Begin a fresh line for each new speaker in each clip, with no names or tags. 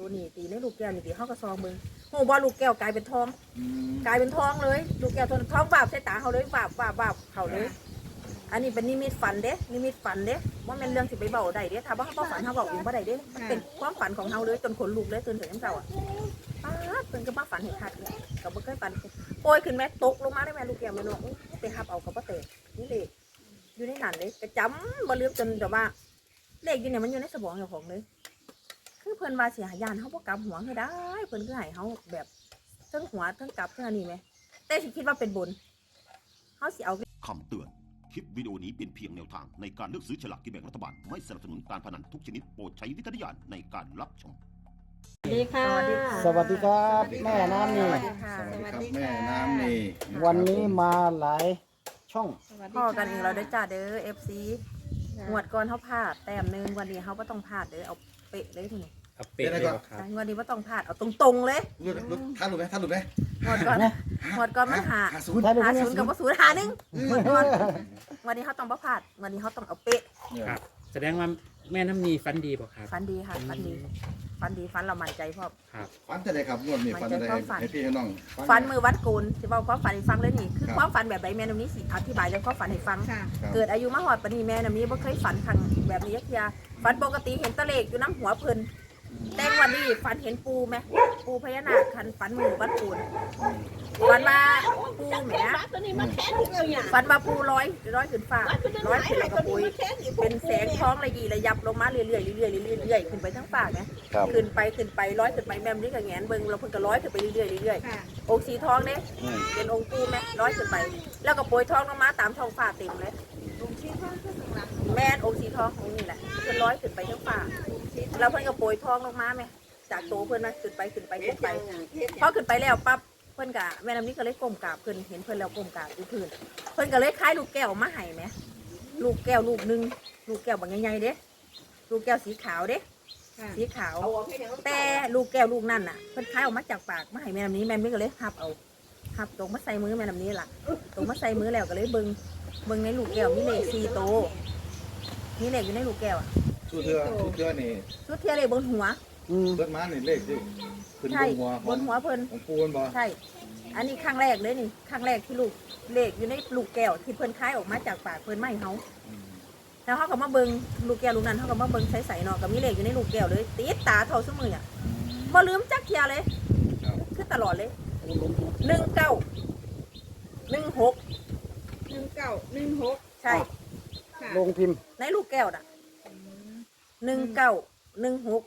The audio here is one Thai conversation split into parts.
ตัวนี้ตีในลูกแก้วนี่ตีเขาก็ซองมึงโหบอลลูกแก้วกลายเป็นทองกลายเป็นทองเลยลูกแก้วท้องบาบใส่ตาเขาเลยบาบเขาเลยอันนี้เป็นนิมิตฝันเด้นิมิตฝันเด้ว่าเป็นเรื่องสิไปเบาได้เด้ถ้าว่าเขาฝันเขาบอกเองว่าได้เด้มันเป็นความฝันของเขาเลยจนขนลุกเลยตื่นถึงน้ำเจ้าอ่ะป้าตื่นก็มาฝันเห็นขาดเลยกับบ่เคยฝันโปรยขึ้นแม่ตกลงมาได้แม่ลูกแก้วแม่นกไปหับเอากับป้าเต๋นี่เลยอยู่ในหนันเลยกระจำบ่ลืมจนแบบว่าเลขอยู่เนี่ยมันอยู่ในสมองเจ้าของเลยคือเพิ่นว่าเสียยานเขาบ่กลับหัวคือได้เพิ่นคือให้เขาแบบทั้งหัวทั้งกลับทั้งอันนี้ไหมแต่ฉันคิดว่าเป็นบุญเขาสิเอา
คำเตือนคลิปวิดีโอนี้เป็นเพียงแนวทางในการเลือกซื้อฉลากกินแบ่งรัฐบาลไม่สนับสนุนการพนันทุกชนิดโปรดใช้วิจารณญาณในการรับชม
สวัสดีค่ะ
สวัสดีครับแม่น้ำนี่
สวัสดีค่ะ
สวัส
ครับ
ดี
แม่
ค่ะ
น้ำนี่
วันนี้มาหลายช่อง
สวัสดี
พ่อ
ค่ะ
กันเองเราได้จ่าเด้อ FC งวดก่อนเขาพลาดแต้มนึงวันนี้เขาก็ต้องพลาดเด้อเอาเป๊ะเลยทีนี้
เอาเป็ดเลยบ่ครับ
งวดนี้ว่าต้องพลาดเอาตรงๆเลย
รู้ท่านรู้ไหมท่านรู้ไหม
งวดก่อนมันหา
ศูนย์
หาศูนย์กับว่าศูนย์หาหนึ่งงวดก่อนวันนี้เขาต้องบ่พลาดวันนี้เขาต้องเอาเป๊ะ
ครับ แสดงว่าแม่น้ำนีฟันดีบ่ครับ
ฟันดีค่ะฟันดีฟันเรามั่นใจพ่อ
ครับ
ฟันจะได้ครับงวดนี้ฟันจะได้ให้พี่ให้น้อง
ฟันมือวัดโกนจะบอกความฝันให้ฟังเลยนี่คือความฝันแบบไหนแม่น้ำนี้สิอธิบายเรื่องความฝันให้ฟัง
ค่ะ
เกิดอายุมาหอดปานนี้แม่น้ำนี้บ่เคยฝันครั้งแบบนี้ยักยาฝันปกติเห็นตะเลกอยู่น้ำหัวเพิ่นแต่วันนี้ฝันเห็นปูไหมปูพญานาคคันฝันมือวัดโกนฝันมาปูแหมฝันมาปูร้อยขึ้นฟ้าร้อยขึ้นแล้วก็ปุยเป็นแสงท้องระยีระยับลงมาเรื่อยๆเรื่อยๆขึ้นไปทั้งฟ้าไหม ขึ้นไปร้อยขึ้นไปแม่มนี่ก็แงนเบิ่งเราเพิ่งก็ร้อยขึ้นไปเรื่อย
ค่ะ
ๆองค์สีทองเนี่ยเป็นองค์ปูแม่ร้อยขึ้นไป แล้วก็โปรยทองลงมาตามท้องฟ้าเต็มเลย
ลุงชี้ข้างขึ้นข้างหลัง
แม่นองค์สีทององค์นี้แหละเพิ่นร้อยขึ้นไปทั้งฟ้าแล้วเพิ่นก็โปรยทองลงมาไหมจากโตเพิ่นนะขึ้นไปพอขึ้นไปแล้วปั๊บเพิ่นก็แม่น้ำนี้ก็เลยก้มกราบเพิ่นเห็นเพิ่นแล้วก้มกราบอยู่พื้นเพิ่นก็เลยคล้ายลูกแก้วมาให้ไหมลูกแก้วลูกนึงลูกแก้วบางใหญ่ๆเด้ลูกแก้วสีขาวเด้
ค่ะ
สีขาวแต่ลูกแก้วลูกนั่นน่ะเพิ่นคล้ายออกมาจากปากมาให้แม่น้ำนี้แม่น้ำนี้ก็เลยหับเอาหับตรงมาใส่มือแม่น้ำนี้ล่ะตรงมาใส่มือแล้วก็เลยเบิ่งในลูกแก้วมีเลข4โตมีเลขอยู่ในลูกแก้วอ่ะ
ชุดเทือนี่
ชุดเทียเลขบนหัว
เบิดมานี่เลขที่ขึ้นบ
ใช่
นหัว
บนหัวเพิ่น
ของปูนบ่
ใช่ อันนี้ครั้งแรกเลยนี่ครั้งแรกที่ลูกเลขอยู่ในลูกแก้วที่เพิ่นคล้ายออกมาจากปากเพิ่นไม่เฮาแล้วเขาก็มาเบิ่งลูกแก้วลูกนั้นเขาก็มาเบิ่งใส่เนาะก็มีเลขอยู่ในลูกแก้วเลยติดตาเท่าซุมืออ่ะบ่ลืมจักเทียเลยคือตลอดเลย1916
1916
ใช่
ค่ะ
ลงพิมพ์
ในลูกแก้วน่ะ1916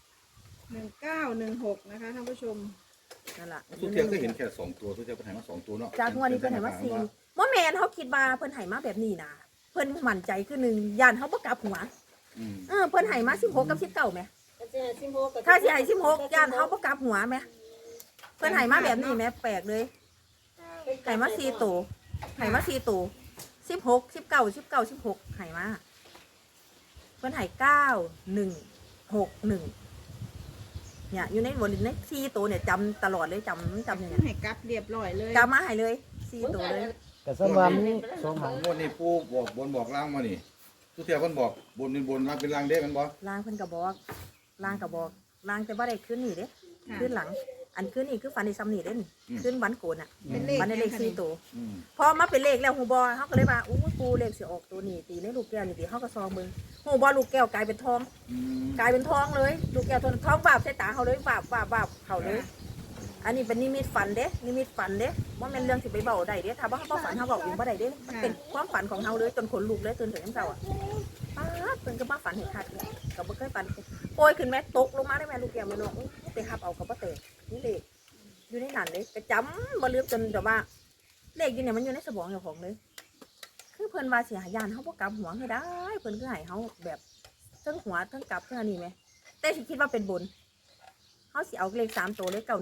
1916นะคะท่านผู้ชม
นั่นล่ะ
ทุกเทือก็เห็นแค่2ตัวทุกเทือเพิ่นให้มา2ตัวเนาะ
จากงวดนี้เพิ่นให้มา4บ่แม่นเขาคิดว่าเพิ่นให้มาแบบนี้นะเพิ่นมั่นใจคือ1ย่านเขาบ่กลับหัวเพิ่นให้มา16กับ19แหมถ้าสิให้16ย่านเขาบ่กลับหัวแหมเพิ่นให้มาแบบนี้แหมแปลกเลยให้มา4ตัวให้มา4ตัว16 19 16ให้มาเพิ่นให้9161เนี่ยอยู่ในบนใน4ตัวเนี่ยจำตลอดเลยจำเนี่ย
ให้กลับเรียบร้อยเลย
จำมาให้เลย4ตัวเลย
แต่สำหรับนี้สองหาง
งวดนี้ปูบอกบนบอกล่างมานี่ทุกเทือเพิ่นบอกบนเป็นบนล่างเป็นล่างเด้มันบ่
ล่างเพิ่นก็บอกล่างแต่ว่าได้ขึ้นนี่เด้ขึ้นหลัง อันขึ้นนี่คือฟันในซ้ำนี่เด้นี่ขึ้นวันโกนอ่ะ
เป็นเลข
วันในเลข4ตัว
อืม
พอมาเป็นเลขแล้วฮูบอเขาก็เลยว่าอู้ปูเลขสิออกตัวนี้ตีในลูกแก้วนี่ตีเขาก็ซองมึงฮูบอลูกแก้วกลายเป็นทองกลายเป็นทองเลยลูกแก้วท้องบาบใส่ตาเขาเลยบาบเขาเลย อันนี้เป็นนิมิตฝันเด้นิมิตฝันเด้ว่าเป็นเรื่องสิไปเบาได้เด้ถ้าว่าเขาฝันเขาบอกเองว่าได้เด้มันเป็นความฝันของเขาเลยจนขนลุกเลยตื่นถึงน้ำเจ้าอ่ะป้าเพิ่นก็มาฝันเห็นขาดเลยก็บ่เคยฝันโปรยขึ้นแม่ตกลงมาได้แม่ลูกแก้วแม่นกไปหับเอากับป้าเต๋นี่เลขอยู่ในนั้นเลยกระจำบ่ลืมจนแบบว่าเลขอยู่เนี่ยมันอยู่ในสมองเจ้าของเลยคือเพิ่นว่าเสียยานเขาบ่กลับหัวให้ได้เพิ่นคือให้เขาแบบทั้งหัวทั้งกลับทั้งอันนี้ไหมแต่สิคิดว่าเป็นบุญเขาสิเอาเลข3ตัวเลข916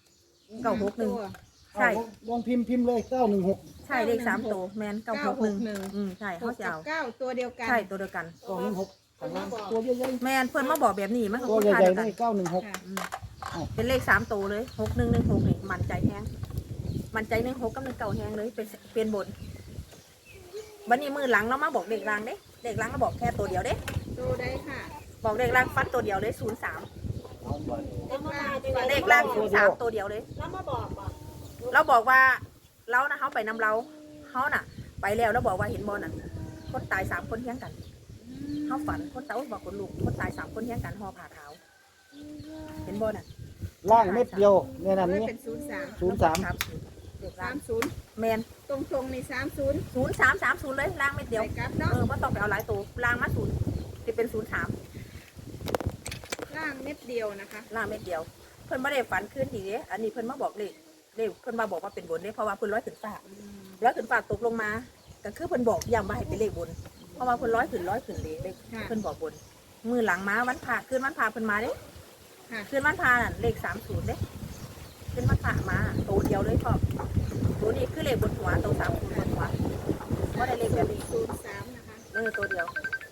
961ใช่
ลงพิมพ์เลย916
ใช่เลข3ตัวแมน961ใช่เขาจะเอา
9ตัวเดียวกัน
ใช่ตัวเดียวกัน
916ข้างล่างตัวใหญ่
แมนเพื่อนมาบอกแบบนี้มันก็
ๆตัว
คุณ
ให
ค่า
ญ่
เดียว
ๆ
กัน
ได้916
ค่ะ
เป็นเลข3ตัวเลย6116นี่มันใจแห้งมันใจ16กับ19แห้งเลยเป็นบนวันนี้มือหลังเรามาบอกเด็กรางเด้เด็กรางเราบอกแค่ตัวเดียวเด้
ดูได้ค่ะ
บอกเด็กรางฟันตัวเดียวเลย03
เอาบ่
เลขล่าง03ตัวเดียวเลย
แล้วมาบอกบอก
เราบอกว่าเรานะเขาไปนำเราเขาน่ะ ไปแล้วแล้วบอกว่าเห็นบอลน่ะคนตาย3คนเที่ยงกันเขาฝันคนตายบอกคนลูกคนตาย3คนเที่ยงกันห่อผ้าขาวเห็นบอลน่ะ
ล่างเม็ดเดียวแม่น้ำ
ไม่
นี้
เป็น03
03
ครับเลขล่าง
30
แมน
ตรงๆนี่30
0330เลยล่างเม็ดเดียว
ไปกลับเนาะ
ว่าต้องไปเอาหลายตัวล่างมาจะเป็น03
ล่างเม็ดเดียวนะคะ
ล่างเม็ดเดียว เพิ่นไม่ได้ฝันขึ้นทีเดียอันนี้เพิ่นมาบอกเลขเพิ่นมาบอกว่าเป็นบนเนี่ยเพราะว่าเพิ่นร้อยขึ้นฟ้าตกลงมาก็คือเพิ่นบอกย้ำว่าให้เป็นเลขบน เพราะว่าเพิ่นร้อยขึ้นเลขเพิ่นบอกบน มือหลังมาวันผ่าคืนวันผ่าเพิ่นมาเด้
ค่ะ
คืนวันผ่าน่ะเลข30เด้คืนวันผ่ามาตัวเดียวเลยพ่อตัวนี้คือเลขบนหัวตัว30บนหัวว่าได้เลขแบบนี้
03นะคะ
ตัวเดียว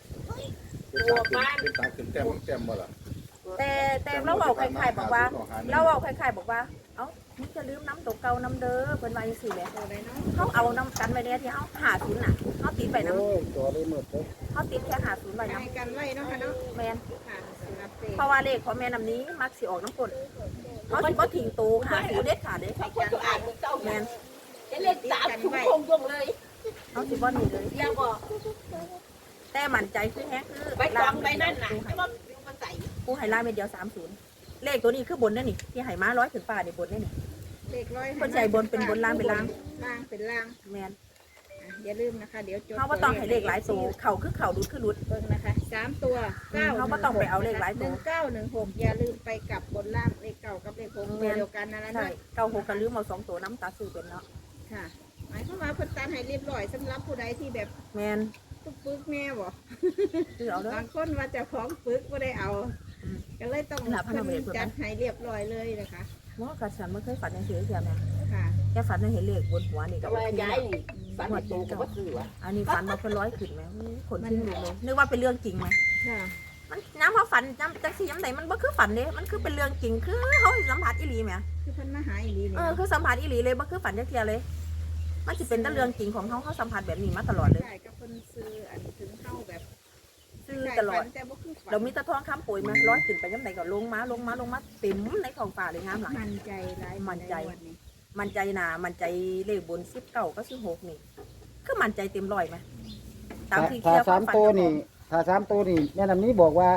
เป็นตาขึ้นแต้มบ่ล่ะ
แต่เราบอกใครๆบอกว่า เอ้ามึงจะลืมน้ำตกเก่าน้ำเด้อเพิ่นว่าจังซี่แหละ
ตัวไหนเนาะ
เขาเอาน้ำกันไว้เนี่ยที่เขา50น่ะเขาติดไปน้
โอ้ยตัวเลยหมดเลย
ำเขาติดแค่50ไว้น้
ให้กันไว้เนาะค่ะเนาะ
ำแมน
ค่ะสำหรับเต
เพราะว่าเลขของแม่น้ำนี้มักสิออกน้ำกลนเขาสิบ่ทิ้งตู50เด็ดขาดเด้
ให้คนตัวอ่านมึงเจ้า
แมน
จะเล่นสามถุงคงยงเลย
เขาสิบ่หนีเลย
อย่าบอก
แต่มั่นใจคือแฮะคือ
ใบตองใบนั่นน่ะให้ว่ามันใส่
กูให้ลายเม็ดเดียว30เลขตัวนี้คือบนนั่นนี่ที่ให้มา100ขึ้นฟ้านี่บนนี่นี่
เลขร้อย
คนใจบนเป็นบนล่างเป็นล่าง
ล่างเป็นล่าง
แมน
อ่ะอย่าลืมนะคะ เดี๋ยวจด
เขาบ่ต้องให้เลขหลายตัวเข่าคือเข่าดุดคือดุด
เบิ่งนะคะ3ตัว9
เขาบ่ต้องไปเอาเลขหลายตัว
1916อย่าลืมไปกับบนล่างเลขเก่ากับเลข6ตัวเดียวกันนั่นแหละ
ใช่
เนาะ
เก่าหกกันลืมเอา2ตัวน้ำตาซื้อเป็นเนาะ
ค่ะหมายความว่าเพิ่นตัดให้เรียบร้อยสำหรับผู้ใดที่แบบ
แมน
ปึกๆแน่บ่
ซื้อเอาเด้อ
บางคนว่าเจะของปึกบ่ได้เอา ก็เลยต้อง
หลับให้เราไป
เพิ่นจัดให้เรียบร้อยเลยนะคะ
ว่ากระฉันไม่เคยฝันอย่างเสียเสียแม่
ค่ะ
แค่ฝันว่าเห็นเลขบนหัวนี่
แต่
ก็
ว่า
โอเค
ย้ายนี่ฝันว่าโตก็บ่ซื้อวะ
อันนี้ฝันมาเป็น100ขึ้นไหมขนทิ้งลูกเลยนึกว่าเป็นเรื่องจริงไหม
ค่ะ
มันน้ำเขาฝันน้ำจังสีน้ำไหนมันบ่คือฝันเด้มันคือเป็นเรื่องจริงคือเขาสัมผัสอีหลีไหม
คือเพิ่นมาหาอีหลีนี่
คือสัมผัสอีหลีเลยบ่คือฝันจักเทียเลย มันจะเป็นแต่เรื่องจริงของเขาสัมผัสแบบนี้มาตลอดเลย
ใช่ก็เพิ่นซื้ออันถึงเข้าแบบ
ซื้อตลอด
แต่บ่คือฝัน
เรามีแตะทองคำปุ๋ยมา100ขึ้นไปยังไหนก็ลงมาเต็มในท้องฟ้าเลยงามหลาย
มั่นใจหลาย
มั่นใจ
วันนี้
มันใจหนามันใจเลขบน19ก็16นี่คือมันใจเต็มร้อยไหมตามที่
ถ้า
เที่ยว
สามตัวนี่ถ้า3ตัวนี่แม่น้ำนี้บอกว่า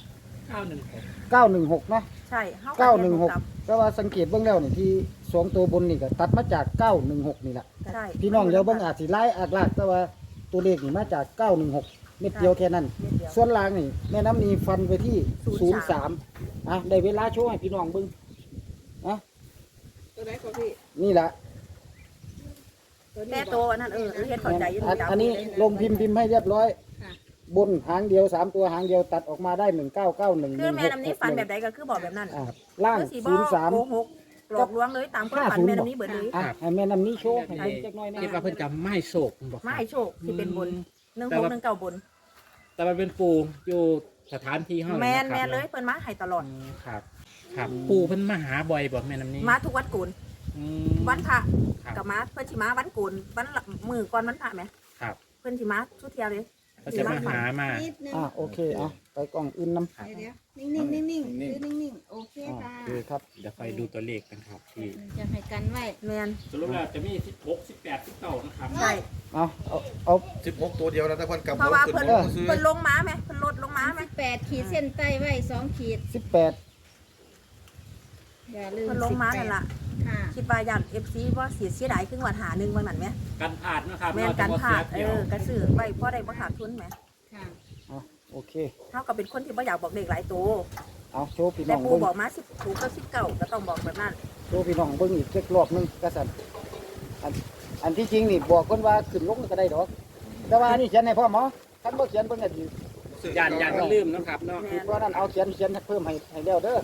916
916นะ
ใช่เฮา
916แต่ว่าสังเกตเบื้องแล้วนี่ที่2ตัวบนนี่ก็ตัดมาจาก916นี่แหละ
ใช่
พี่น้องเดี๋ยวเบิ่งอาจสิไล่อากลากแต่ว่าตัวเลขนี่มาจาก916เม็ดเดียวแค่นั้น
เม็ดเดียว
ส่วนล่างนี่แม่น้ำนีฟันไปที่
03
03อ่ะได้เวลาโชว์ให้พี่น้องเบิ่งอ่ะ
ตัวไหนของพี่
นี่ล่ะ
ตัวนี้
แต่
บ
ตั
อ
ว
ก
นั้นเฮ็ดเข้าใจอยู่
อันนี้ลงพิมพ์ให้เรียบร้อย
ค่ะ
บนหางเดียว3ตัวหางเดียวตัดออกมาได้1991
คือแม่น้ำนี้ฝันแบบใดก็คือบอกแบบนั้น
อ่ะล่าง
คือสีบอกโกหกหลอกลวงเลยตามความฝัน
50
แม่น้ำนี้เบิดเลย
อ่ะให้แม่น้ำนี้โชว์ให้เบิ่งจักหน่อยนะ
คิดว่าเพิ่นจะไม่โศกบอก
มาให้โชคที่เป็นบน1619บน
แต่มันเป็นปูอยู่สถานที่ห้อง
แมนเลยเพิ่นมาให้ตลอด
ครับ ครับปูเพิ่นมาหาบ่อยบอกแม่น้ำนี้
มาทุกวัดโกน
อืม
วันพระ
ครับ
กับมาเพิ่นสิมาวันโกนวันมือก่อนวันพระไหม
ครับ
เพิ่นสิมาทุกเที่ยวเลย
เขาจะมาหามา
นิดนึง
อ่ะโอเคอ่ะไปกล่องอื่นนำ
เดี๋ยวนิ่งๆนิ่งๆซื้อนิ่งๆโอเค
อ่ะ
ค่ะ
โอเคครับ
เดี๋ยวไปดูตัวเลขกันครับที่
จะให้กันไว้
แมน
สรุปแล้วจะมี16 18 19นะครับ
ใช่
เอา
16ตัวเดียวนะถ้าเพิ่นกลับ
เพราะว่า
ขึ้น
เพิ่น
บนซื้อ
เพิ่นลงมาไหมเพิ่นลดลงมาไหม
8ขีดเส้นใต้ไว้2ขีด
18
อย่าลืม
เพิ่นลงมานั่นล่ะ
ค่ะ
คิดว่าย่าน FC ว่าเสียดายครึ่งวันหาหนึ่งวันนั้นไหม
กันพลาดนะครับ
แม่นการพลาดกระสือไว้เพราะได้บ่ขาดทุนไหม
ค่ะ
อ่ะโอเค
เท่ากับเป็นคนที่บ่อยากบอกเด็กหลายตัว
เอาโชว์พี่น้
แต่
อง
ปู
เบิ่ง
บอกมา10ถูกก็19ก็ต้องบอกแบบนั้น
โชว์พี่น้องเบิ่งอีกจักรอบหนึงกระสันอันที่จริงนี่บอกคนว่าขึ้นลงก็ได้ดอก แต่ว่าอันนี่เขียนให้พ่อหมอคันบ่เขียนเบิ่งก็ดี
ย่านมันลืมนะครับเนาะ
แม่น
เพราะนั้นเอาเขียนเพิ่มให้แล้วเด้อ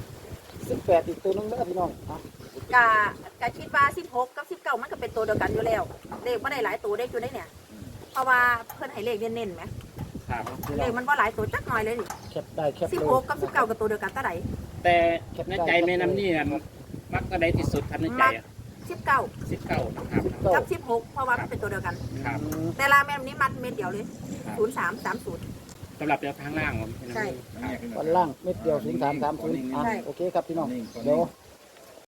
18อีกตัวหนึงเด้อพี่น้องอ่ะ
กะคิดว่า16กับ19มันก็เป็นตัวเดียวกันอยู่แล้วเลขบ่ได้หลายตัวเลขอยู่ได้เนี่ย เพราะว่าเพิ่นให้เลขเน้นๆไหม
ครับ
เลขมันบ่หลายตัวจักหน่อยเลยนี่
แคปได้แคปเลย
16กับ19ก็ตัวเดียวกันเท่าใด
แต่ในใจแม่น้ำนี่นะมักก็ได้ที่สุดครับในใจอะ
19
19นะครับ
กับ16เพราะว่ามันเป็นตัวเดียวกัน
ครับ
แต่ละแม่นนี้มันเม็ดเดียวเลย
ครับ
0330
สำหรับแนวทางล่างผม
ใช่
ครับ
วันล่างเม็ดเดียว0330โอเคครับพี่น้องเดี๋ยว